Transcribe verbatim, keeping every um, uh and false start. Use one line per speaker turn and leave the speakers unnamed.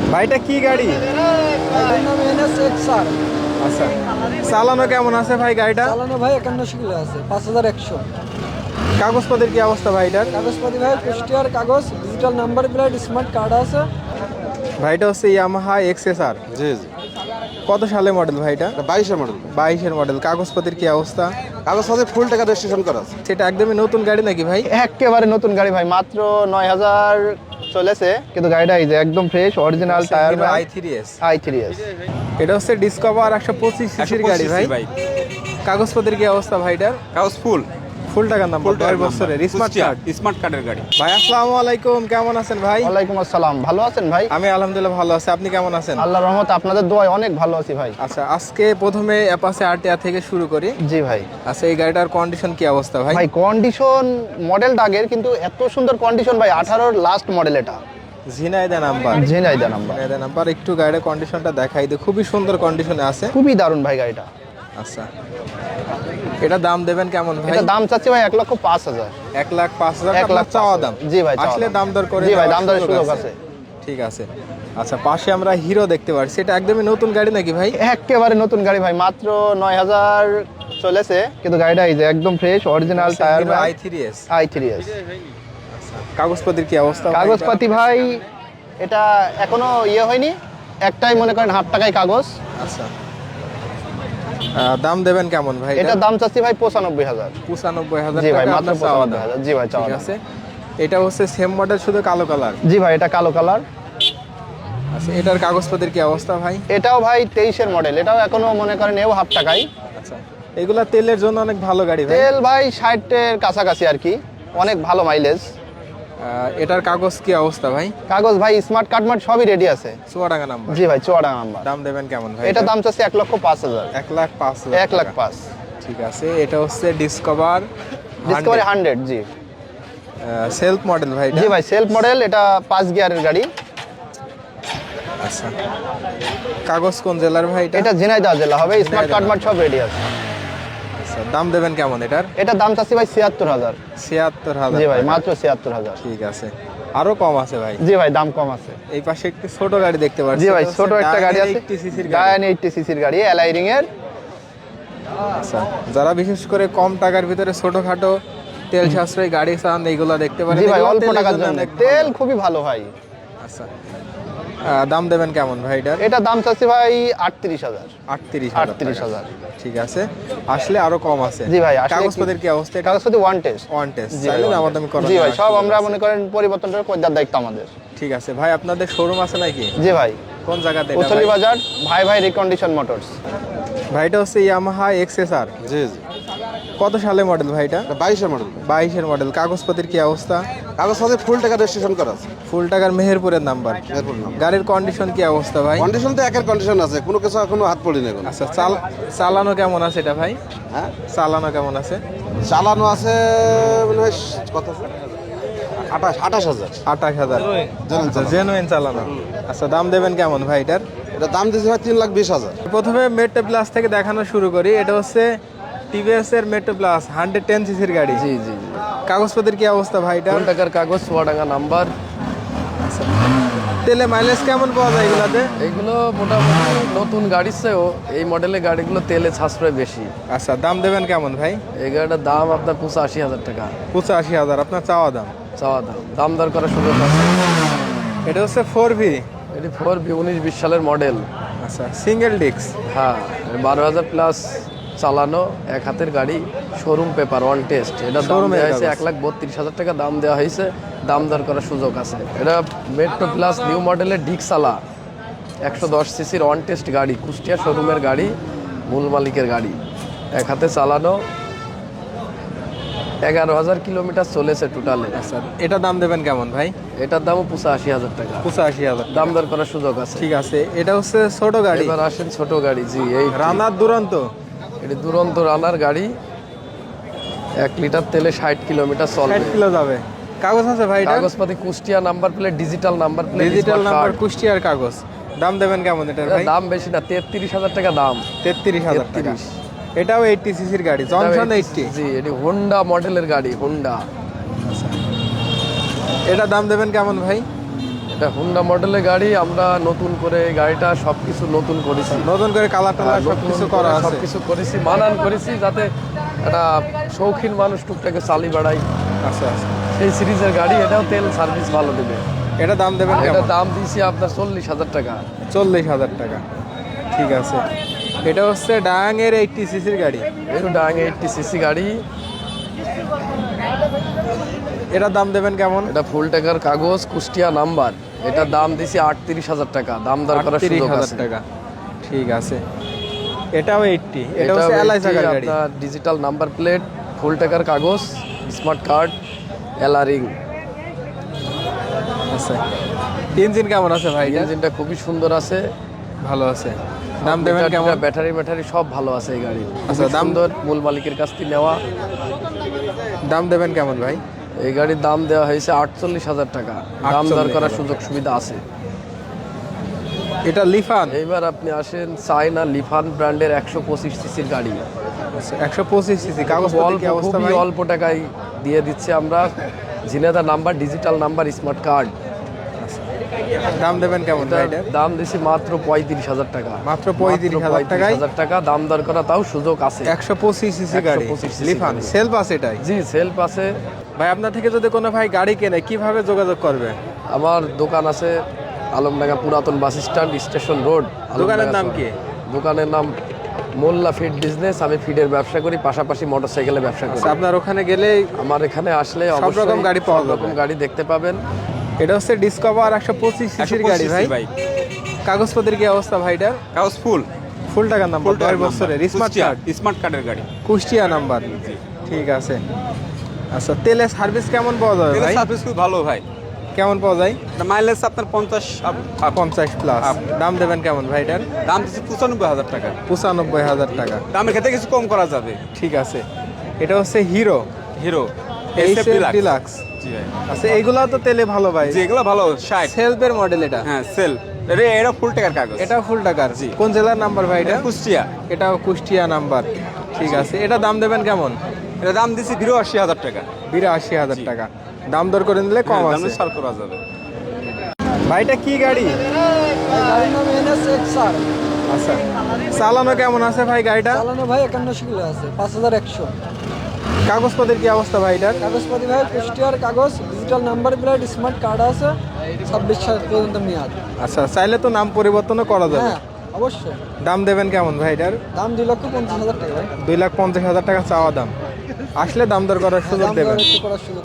ভাইটা কি গাড়ি? আচ্ছা, চালানো কেমন আছে ভাই গাড়িটা?
চালানো ভাই একান্নশো কিলো আছে, পাঁচ হাজার একশো।
কাগজপত্রের কি অবস্থা ভাইটার?
কাগজপাতি ভাই কুষ্টিয়ার কাগজ, digital number plate, smart card আছে।
ভাইটা হচ্ছে ইয়ামাহা এক্সএসআর।
জি জি।
কত সালে মডেল ভাইটা?
বাইশের মডেল।
বাইশের মডেল। কাগজপত্রের কি অবস্থা?
কাগজপত্রে ফুল টাকা রেজিস্ট্রেশন করা আছে।
সেটা একদমই নতুন গাড়ি নাকি ভাই?
একেবারে নতুন গাড়ি ভাই, মাত্র নয় হাজার চলেছে, কিন্তু গাড়িটা এই যে একদম fresh original tyre
I three S.
I three S.
এটা হচ্ছে ডিসকভার একশো পঁচিশ সিসির গাড়ি ভাই। কাগজপত্রের কি অবস্থা ভাইটার?
কাগজ ফুল
ফুল টাকার নাম্বার, দশ বছরের স্মার্ট কার্ড।
স্মার্ট কার্ডের গাড়ি।
ভাই আসসালামু আলাইকুম, কেমন আছেন ভাই?
ওয়ালাইকুম আসসালাম, ভালো আছেন ভাই?
আমি আলহামদুলিল্লাহ ভালো আছি, আপনি কেমন আছেন?
আল্লাহর রহমতে আপনাদের দোয়ায় অনেক ভালো আছি ভাই।
আচ্ছা, আজকে প্রথমে অ্যাপাচে আরটিআর থেকে শুরু করি।
জি ভাই।
আচ্ছা, এই গাড়িটার কন্ডিশন কি অবস্থা ভাই?
ভাই কন্ডিশন মডেলটা আগের, কিন্তু এত সুন্দর কন্ডিশন ভাই, আঠারোর লাস্ট মডেল এটা।
Jhenaidah number.
Jhenaidah number.
Jhenaidah number. একটু গাড়ির কন্ডিশনটা দেখাই দিই, খুবই সুন্দর কন্ডিশনে আছে।
খুবই দারুণ ভাই গাড়িটা।
আচ্ছা, এটা দাম দেবেন কেমন ভাই?
এটা দাম চাচ্ছি ভাই এক লক্ষ পাঁচ হাজার।
এক লাখ পাঁচ হাজার
এক লাখ
চাওয়া
পাঁচ
দাম।
হাজার। জি ভাই, চাওয়া
আসলে
দাম।
দাম দর করে
জি ভাই,
দেওয়ার
দাম দরের
সুযোগ
সুযোগ
আছে।
আছে।
ঠিক আছে। আচ্ছা, পাশে আমরা হিরো দেখতে পাচ্ছি, এটা একদমই নতুন গাড়ি নাকি ভাই?
একেবারে নতুন গাড়ি ভাই, মাত্র নয় হাজার চলেছে, কিন্তু গাড়িটা এই যে একদম fresh original tyre
I three S.
I three S.
কাগজপত্রের কি অবস্থা?
কাগজপাতি ভাই এটা এখনো ইয়ে হয়নি, একটাই মনে করেন হাফ টাকায় কাগজ।
আচ্ছা, আহ, দাম দেবেন কেমন ভাই?
এটার দাম চাচ্ছি ভাই পঁচানব্বই হাজার।
পঁচানব্বই হাজার
জি ভাই,
টাকা
মাত্র
আপনার চাওয়া
পঁচানব্বই
দাম।
হাজার। জি ভাই, চাওয়া
ঠিক
দাম।
আছে। এটা হচ্ছে সেম মডেল, শুধু কালো কালার।
জি ভাই, এটা কালো কালার।
আচ্ছা, এটার কাগজপত্রের কি অবস্থা ভাই?
এটাও ভাই তেইশের মডেল, এটাও এখনো মনে করেন এও হাফ টাকায়।
আচ্ছা, এগুলা তেলের জন্য অনেক ভালো গাড়ি ভাই।
তেল ভাই ষাটের কাছাকাছি আর কি, অনেক ভালো মাইলেজ।
আহ, এটার কাগজ কি অবস্থা ভাই?
কাগজ ভাই স্মার্ট কার্ড মার্ট সবই রেডি আছে।
চুয়াডাঙ্গা নাম্বার।
জি ভাই, চুয়াডাঙ্গা নাম্বার।
দাম দেবেন কেমন ভাই?
এটা দাম চাচ্ছি এক লক্ষ পাঁচ হাজার।
এক লাখ পাঁচ হাজার
এক লাখ
টাকা।
পাঁচ।
ঠিক আছে। এটা হচ্ছে ডিসকভার
ডিসকভারি হান্ড্রেড। জি
সেলফ মডেল ভাই এটা?
জি ভাই, সেলফ মডেল, এটা পাঁচ গিয়ারের গাড়ি।
আচ্ছা, কাগজ কোন জেলার ভাই এটা?
এটা ঝিনাইদহ জেলা হবে, স্মার্ট
ঝিনাইদহ।
কার্ড মার্ট সব রেডি আছে।
আচ্ছা, দাম দেবেন কেমন এটার?
এটার দাম চাচ্ছি ভাই ছিয়াত্তর হাজার।
ছিয়াত্তর হাজার।
জি ভাই, মাত্র ছিয়াত্তর হাজার।
ঠিক আছে, আরো কম আছে ভাই?
জি ভাই, দাম কম আছে।
এই পাশে একটি ছোট গাড়ি দেখতে পাচ্ছি।
জি ভাই,
এটা হচ্ছে
ছোট একটা গাড়ি আছে,
eighty সিসির গাড়ি।
গায়ান এইটটি সিসির গাড়ি, এলাইরিং এর।
আচ্ছা, যারা বিশেষ করে কম টাকার ভিতরে ছোটখাটো তেল সাশ্রয়ী গাড়ি চান, এইগুলা দেখতে পারেন।
জি ভাই,
এগুলো
অল্প
তেলের
টাকার
জন্য
জন্য
অনেক
তেল
ভালো।
খুবই ভালো ভাই।
আচ্ছা, আহ, দাম দেবেন কেমন ভাই এটার?
এটা দাম চাচ্ছি ভাই আটত্রিশ হাজার।
আটত্রিশ
আটত্রিশ হাজার।
ঠিক আছে, আসলে আরো কম আছে।
জি ভাই, আসলে
কাগজপত্রের কি অবস্থা? এটা
কাগজপত্র ওয়ান টেস্ট।
One test.
জি
চাইলে
ভাই,
দাম দামি করা
জি ভাই,
যাবে,
সব
সুযোগ
আমরা
আছে।
মনে করেন পরিবর্তনটা করে দেওয়ার দায়িত্ব আমাদের।
ঠিক আছে ভাই, আপনাদের শোরুম আছে নাকি?
জি ভাই,
কোন জায়গাতে এটা
উথলি
ভাই?
বাজার, ভাই ভাই রিকন্ডিশন মোটরস।
ভাইটা হচ্ছে ইয়ামাহা এক্সএসআর।
জি জি।
কত সালে মডেল ভাইটা?
বাইশের মডেল।
বাইশের মডেল। কাগজপত্রের কি অবস্থা?
কাগজপত্রে ফুল টাকা রেজিস্ট্রেশন করা আছে।
ফুল টাকার মেহেরপুরের নাম্বার।
এরপর নাম।
গাড়ির কন্ডিশন কি অবস্থা ভাই?
কন্ডিশন তো একের কন্ডিশন আছে, কোনো কিছু এখনো হাত পড়ি না এখন।
আচ্ছা, চাল চালানো কেমন আছে এটা ভাই?
হ্যাঁ,
চালানো কেমন আছে?
চালানো আছে মনে হয় কত, আঠাশ আঠাশ হাজার।
আঠাশ হাজার।
জানেন চালানো।
জেনুইন চালানো। আচ্ছা, দাম দেবেন কেমন ভাই এটার?
এটা দাম দিয়েছে ভাই তিন লাখ বিশ হাজার।
প্রথমে মেট্রো প্লাস থেকে দেখানো শুরু করি। এটা হচ্ছে টিভিএস এর মেট্রো প্লাস হান্ড্রেড টেন সিসির গাড়ি।
জি জি।
কাগজপত্রের কি অবস্থা ভাই এটা?
কোন টাকার কাগজ, চুয়াডাঙ্গা নাম্বার।
তেলে মাইলেজ কেমন পাওয়া যায় এগুলাতে?
এগুলো মোটামুটি নতুন গাড়ির চেয়েও এই মডেলের গাড়িগুলো তেলে সাশ্রয় বেশি।
আচ্ছা, দাম দেবেন কেমন ভাই?
এই গাড়িটার দাম আপনার পঁচাশি হাজার টাকা
পঁচাশি হাজার আপনার চাওয়া দাম।
চাওয়া দাম। দাম দর করার সুযোগ আছে।
এটা হচ্ছে ফোর ভি।
এটি ফোর বি উনিশ বিশ সালের মডেল।
আচ্ছা, সিঙ্গেল ডিস্ক।
হ্যাঁ, বারো হাজার প্লাস চালানো, এক হাতের গাড়ি, শোরুম পেপার, ওয়ান টেস্ট। এটা দাম
Showroom এর
দেওয়া হয়েছে
কাগজ।
এক লাখ বত্রিশ হাজার টাকা দাম দেওয়া হয়েছে। দাম দর করার সুযোগ আছে। এটা মেট্রো প্লাস নিউ মডেলের ডিক্সালা, একশো দশ সিসির ওয়ান টেস্ট গাড়ি, কুষ্টিয়া শোরুমের গাড়ি, মূল মালিকের গাড়ি, এক হাতে চালানো, এগারো হাজার কিলোমিটার চলেছে টোটালে।
আচ্ছা, এটা দাম দেবেন কেমন ভাই?
এটার দামও পঁচাশি হাজার টাকা।
পঁচাশি হাজার।
দাম দর করার সুযোগ আছে।
ঠিক আছে, এটা হচ্ছে ছোট গাড়ি।
এবার আসেন ছোট গাড়ি। জি, এই
রানার দুরন্ত।
এটি দুরন্ত রানার গাড়ি, এক লিটার তেলে ষাট কিলোমিটার
ষাট
চলবে।
কিলো যাবে। কাগজ আছে ভাই এটা?
কাগজপাতি Kushtia number plate, digital number plate,
digital number, কুষ্টিয়ার কাগজ। দাম দেবেন কেমন এটার ভাই?
দাম বেশি না, তেত্রিশ হাজার টাকা দাম।
তেত্রিশ হাজার টাকা।
তেত্রিশ।
এটাও এইটটি সিসির গাড়ি, জনসন এইটটি।
জি, এটি হোন্ডা মডেলের গাড়ি, হোন্ডা।
এটা দাম দেবেন কেমন ভাই?
এটা হুন্ডা মডেলের গাড়ি, আমরা নতুন করে গাড়িটা সবকিছু নতুন করেছি,
নতুন করে কালার টালার সব কিছু করা আছে।
সবকিছু করেছি, মানান করেছি যাতে একটা শৌখিন মানুষ টুকটাকে চালি বাড়াই।
আচ্ছা আচ্ছা,
এই সিরিজের গাড়ি, এটাও তেল সার্ভিস ভালো দেবে।
এটা দাম দেবেন
এটা
কেমন?
দাম দিয়েছি আপনার চল্লিশ হাজার টাকা।
চল্লিশ হাজার টাকা, ঠিক আছে। এটা হচ্ছে ডায়াঙের এইটটি সিসির গাড়ি।
এটা ডাং এইটটি সিসি গাড়ি,
এটার দাম দেবেন কেমন?
এটা ফুল টাকার কাগজ, কুষ্টিয়া নাম্বার। এটা দাম দিছি আটত্রিশ হাজার টাকা, দাম দর করার
তিরিশ
সুযোগ
হাজার
আছে।
টাকা, ঠিক আছে। এটাও এইটটি, এটা
এটা
হচ্ছে এলআই চাকার গাড়ি।
আপনার ডিজিটাল নাম্বার প্লেট, ফুল টাকার কাগজ, স্মার্ট কার্ড, এলারিং।
আচ্ছা, ইঞ্জিন কেমন আছে ভাই?
ইঞ্জিনটা খুবই সুন্দর আছে,
ভালো আছে। দাম দেবেন
মিটার
কেমন?
টিটার, ব্যাটারি ম্যাটারি সব ভালো আছে এই গাড়ি।
আচ্ছা,
খুবই
দাম?
সুন্দর, মূল মালিকের কাছ থেকে নেওয়া।
দাম দেবেন কেমন ভাই?
এই গাড়ির দাম দেওয়া হয়েছে আটচল্লিশ হাজার টাকা, দাম দর
আটচল্লিশ
করার
হাজার।
সুযোগ সুবিধা আছে।
এটা লিফান,
এইবার আপনি আসেন চায়না লিফান ব্র্যান্ডের একশো পঁচিশ সিসির গাড়ি।
একশো পঁচিশ সিসি, কাগজ
অল্প,
কি অবস্থা
খুবই
ভাই?
অল্প টাকায় দিয়ে দিচ্ছে আমরা। ঝিনেদার number, digital number, smart card.
দাম দেবেন কেমন ভাই এটার?
দাম দিছি মাত্র পঁয়ত্রিশ হাজার টাকা।
মাত্র পঁয়ত্রিশ হাজার টাকায়
হাজার টাকা দাম দর করা, তাও সুযোগ আছে।
একশো পঁচিশ সিসি গাড়ি,
একশো পঁচিশ সিসি
লিফান
গাড়ি।
সেলফ আছে এটাই।
জি, সেলফ আছে।
ভাই আপনার থেকে যদি কোনো ভাই গাড়ি কেনে কিভাবে যোগাযোগ করবে?
আমার দোকান আছে আলমডাঙ্গা পুরাতন বাস স্ট্যান্ড, স্টেশন রোড।
দোকানের নাম কি?
দোকানের নাম মোল্লা ফিড বিজনেস। আমি ফিডের ব্যবসা করি, পাশাপাশি মোটরসাইকেলের ব্যবসা করি।
আচ্ছা, আপনার ওখানে গেলে
আমার এখানে আসলে
সব
অবশ্যই
রকম গাড়ি পাওয়া
সব
যাবে।
রকম গাড়ি দেখতে পাবেন।
এটা হচ্ছে ডিসকভার একশো পঁচিশ সিসির গাড়ি ভাই। কাগজপত্রের কি অবস্থা ভাই এটার?
কাগজ ফুল
ফুল টাকার নাম্বার, দশ বছরের স্মার্ট কার্ড,
স্মার্ট কার্ডের গাড়ি।
কুষ্টিয়া নাম্বার, ঠিক আছে। আচ্ছা, তেলে সার্ভিস কেমন পাওয়া যাবে ভাই?
সার্ভিস খুব ভালো ভাই,
কেমন পাওয়া যায়?
মাইলেজ আপনার পঞ্চাশ up, up।
পঞ্চাশ প্লাস। দাম দেবেন কেমন ভাই এটার?
দাম দিচ্ছে পঁচানব্বই হাজার টাকা।
পঁচানব্বই হাজার টাকা,
দামের ক্ষেত্রে কিছু কম করা যাবে।
ঠিক আছে। এটা হচ্ছে Hero
Hero
H F Deluxe.
জি ভাই,
আচ্ছা, এইগুলা তো তেলে ভালো ভাই।
যেগুলো ভালো ষাট।
সেলফের মডেল এটা।
হ্যাঁ সেল, এটা ফুল টাকার কাগজ।
এটা ফুল টাকার। কোন জেলার নাম্বার ভাই এটা?
এটা কুষ্টিয়া।
এটাও কুষ্টিয়া নাম্বার, ঠিক আছে। এটা দাম দেবেন কেমন?
এটা দাম দিচ্ছি বিরাশি হাজার টাকা।
বিরাশি হাজার টাকা, দাম দর করে নিলে কম
হ্যাঁ,
আছে।
দামে ছাড় করা যাবে।
ভাই এটা কি গাড়ি?
গাড়ির নাম এনএস এক্স আর।
আচ্ছা, চালানো কেমন আছে ভাই গাড়িটা?
চালানো ভাই একান্নশো কিলো আছে, পাঁচ হাজার একশো।
কাগজপত্রের কি অবস্থা ভাই এটার?
কাগজপাতি ভাই কুষ্টিয়ার কাগজ, digital number plate, smart card আছে, ছাব্বিশ সাল পর্যন্ত মেয়াদ।
আচ্ছা, চাইলে তো নাম পরিবর্তনও করা যাবে।
হ্যাঁ অবশ্যই।
দাম দেবেন কেমন ভাই এটার?
দাম দুই লক্ষ পঞ্চাশ হাজার টাকা ভাই।
দুই লাখ পঞ্চাশ হাজার টাকা চাওয়া দাম, আসলে দাম দর করার সুযোগ
দাম
দেবেন।
দর একটু করার সুযোগ